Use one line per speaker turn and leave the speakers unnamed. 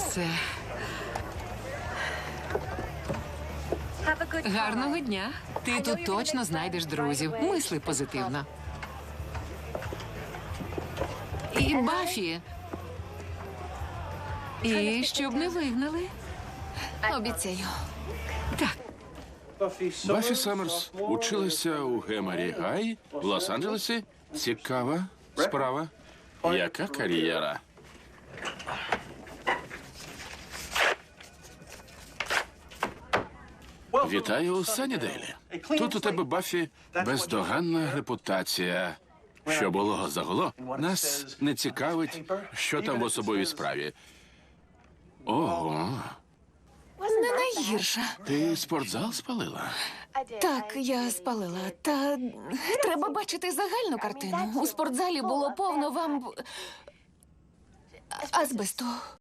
все. Гарного дня. Ти тут точно знайдеш друзів. Мисли позитивно. І Баффі. І щоб не вигнали.
Обіцяю.
Так.
Баффі Саммерс училася у Гемері Гай в Лос-Анджелесі. Цікава справа. Яка кар'єра? Вітаю у Саннідейлі. Тут у тебе, Баффі, бездоганна репутація. Що було загуло? Нас не цікавить, що там в особовій справі. Ого,
Не найгірша.
ти спортзал спалила?
Так, я спалила. Та треба бачити загальну картину. У спортзалі було повно азбесту.